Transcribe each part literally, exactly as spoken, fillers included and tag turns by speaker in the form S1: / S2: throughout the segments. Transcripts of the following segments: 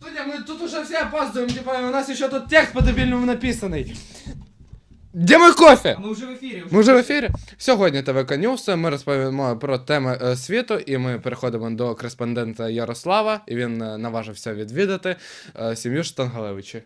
S1: Студия, мы тут уже все опаздываем, типа, у нас еще тут текст по-дебільному написаний. Де мой кофе?
S2: А ми вже в ефірі.
S1: Ми вже в ефірі. Сьогодні ТВК News, ми розповімо про теми е, світу, і ми переходимо до кореспондента Ярослава, і він е, наважився відвідати е, сім'ю Штангалевичі.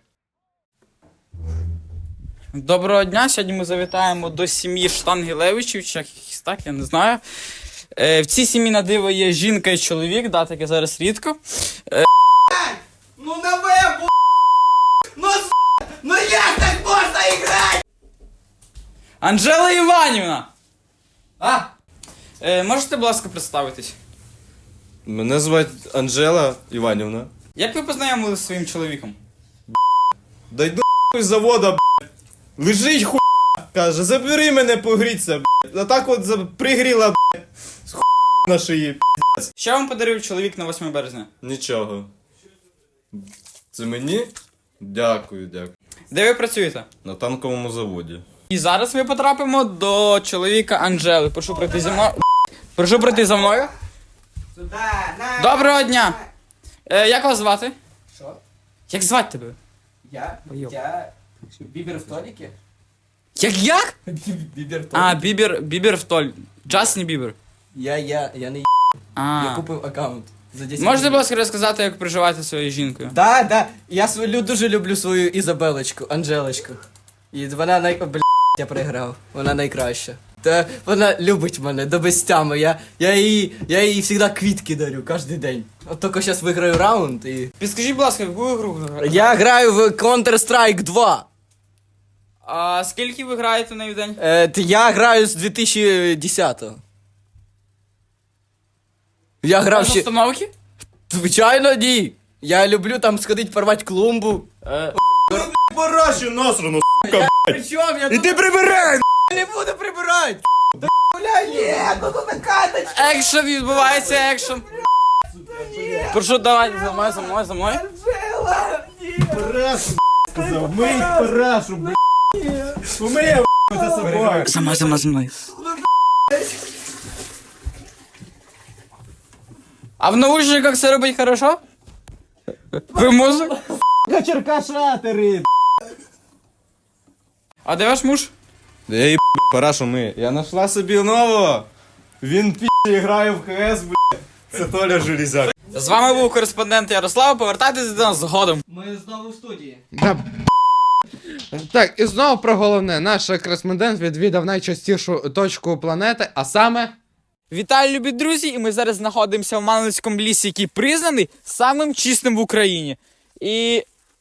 S2: Доброго дня, сьогодні ми завітаємо до сім'ї Штангелевичів, чи якось так, я не знаю. Е, в цій сім'ї на диво є жінка і чоловік, да, таке зараз рідко. Е,
S3: Ну на вебу! Ну с***! Ну як так можна іграти?
S2: Анжела Іванівна!
S3: А?
S2: Е, можете, будь ласка, представитись?
S4: Мене звати Анжела Іванівна.
S2: Як ви познайомилися зі своїм чоловіком?
S4: Да йду з завода, б***ь. Лежить хуйня. Каже, забери мене погріться, б***ь. А так от за- пригріла, б***ь. З хуй на шиї, б***ь.
S2: Що вам подарив чоловік на восьме березня?
S4: Нічого. Це мені? Дякую, дякую.
S2: Де ви працюєте?
S4: На танковому заводі.
S2: І зараз ми потрапимо до чоловіка Анжели. Прошу пройти зі мною. Прошу пройти за мною.
S3: Сюда, на.
S2: Доброго дня! Е, як вас звати?
S3: Що?
S2: Як звати тебе?
S3: Я?
S2: Бойок.
S3: Я? Бібер в толіки?
S2: Як як?
S3: Бібер в
S2: А, Бібер, Бібер в толь. Джастін Бібер.
S3: Я, я, я не
S2: А.
S3: Я купив аккаунт. За десять
S2: Можете, будь
S3: гривень.
S2: ласка, розказати, як проживаєте зі своєю жінкою?
S3: Да, да. Я свою, дуже люблю свою Ізабелочку, Анжелочку. І вона най... О, бля, я програв. Вона найкраща. Та вона любить мене до безтями. Я, я їй, я їй завжди квітки дарю кожен день. От тільки зараз виграю раунд і...
S2: Підскажіть, будь ласка, яку ігру ви граєте?
S3: Я граю в Counter-Strike два.
S2: А скільки ви граєте на день?
S3: Е, т- я граю з дві тисячі десятого. Я грав
S2: З
S3: ще...
S2: установки?
S3: Звичайно, ні. Я люблю там сходити порвати клумбу. Е,
S4: Парашю насрану, сука,
S3: Причому я
S4: іди прибирай!
S3: не буду прибирати. Да, бля, ні, ну тут накаточка.
S2: Екшен відбувається, екшен. Прошу, давайте за мною, за мною, за мною.
S3: Анжела, ні.
S4: Парашу, сказав, мий парашу, б***ь. Умиє, б***ь, за собою.
S2: За мною, за мною, за мною. А в наушниках все робить хорошо? Ви музик?
S4: Черкашатери.
S2: А де ваш муж?
S4: Да я їб парашу ми. Я нашла собі нового. Він пі***і грає в КС, б***ь. Це Толя Железяк.
S2: З вами був кореспондент Ярослав, повертайтеся до нас згодом.
S3: Ми знову в студії.
S1: Да. Так, і знову про головне. Наш кореспондент відвідав найчастішу точку планети, а саме...
S2: Вітаю, любі друзі, і ми зараз знаходимося в Маневицькому лісі, який признаний самим чистим в Україні. І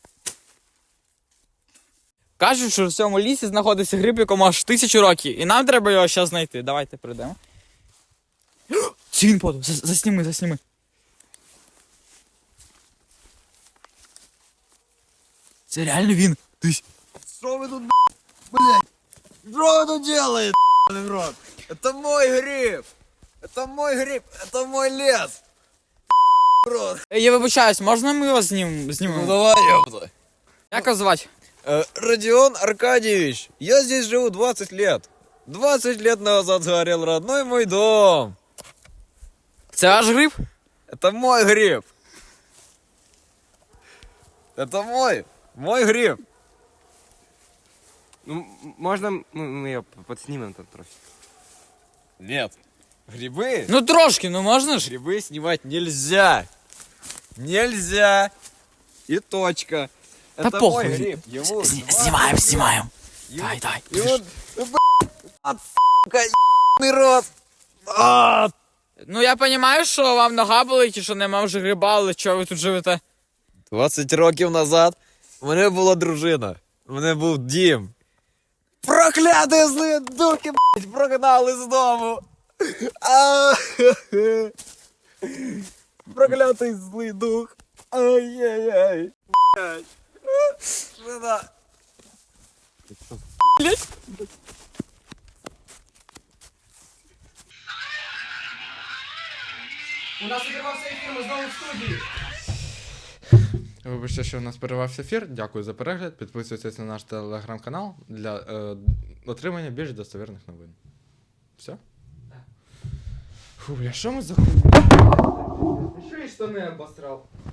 S2: кажуть, що в цьому лісі знаходиться гриб, якому аж тисячу років. І нам треба його зараз знайти. Давайте прийдемо. Це він подав. За- Засніми, засніми. Це реально він. Дивись.
S4: Что вы тут, блядь? Что вы тут делаете, в рот? Это мой гриб. Это мой гриб. Это мой лес. Рот.
S2: Е, Я вибачаюсь, можна ми його знім... знімемо?
S4: давай, ёпта.
S2: Як його звати?
S4: Э, Родион Аркадьевич, я здесь живу двадцать лет. двадцать лет назад сгорел родной мой дом.
S2: Це ваш гриб?
S4: Это мой гриб. Это мой. Мой гриб.
S5: Ну, м- можно мы, мы ее подснимем там трохи?
S4: Нет. Грибы?
S2: Ну трошки, ну можна ж?
S4: Грибы снимать нельзя. Нельзя. И точка.
S2: Да
S4: Это
S2: похуй.
S4: мой гриб. Ему
S2: Знімаємо,
S4: двадцать
S2: знімаємо.
S4: лет.
S2: Дай, дай.
S4: И он, ну, блядь, сука, ебаный рот. А,
S2: Ну я розумію, що вам нога болить і що нема вже гриба, але чого ви тут живете?
S4: двадцять років назад у мене була дружина. У мене був дім. Прокляті злі духи, блядь, прогнали з дому. А, проклятий злий дух. Ай-яй-яй. Блядь. Жена.
S3: У нас відривався ефір, ми знову в студії.
S1: Вибачте, що у нас перервався ефір. Дякую за перегляд. Підписуйтесь на наш телеграм-канал для е, отримання більш достовірних новин. Все? Фу, бля, що ми за хуйня? Що і штани обосрав?